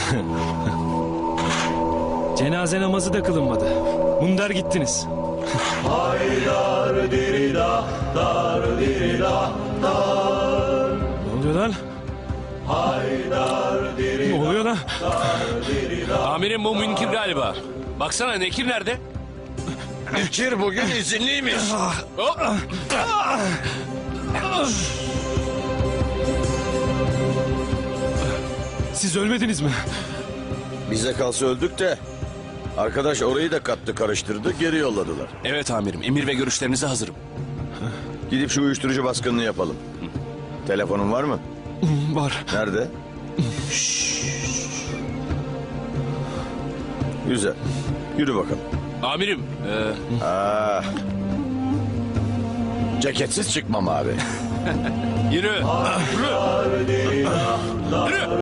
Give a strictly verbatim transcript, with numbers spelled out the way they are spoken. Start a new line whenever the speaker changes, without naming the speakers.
Cenaze namazı da kılınmadı. Mundar gittiniz.
Haydar dirida, dar dirida, dar.
Ne oluyor lan?
Haydar dirida,
Ne oluyor lan?
dar dirida.
Amirim bu Münkir galiba. Baksana Nekir nerede?
Bekir bugün izinliymiş.
Hop.
Siz ölmediniz mi?
Bize kalsa öldük de. Arkadaş orayı da kattı karıştırdı geri yolladılar.
Evet amirim, emir ve görüşlerinize hazırım.
Gidip şu uyuşturucu baskınını yapalım. Telefonun var mı?
Var.
Nerede? Güzel. Yürü bakalım.
Amirim, e,
Aa. Ceketsiz çıkmam abi.
yürü.
Haydar dirida, dar.
Yürü.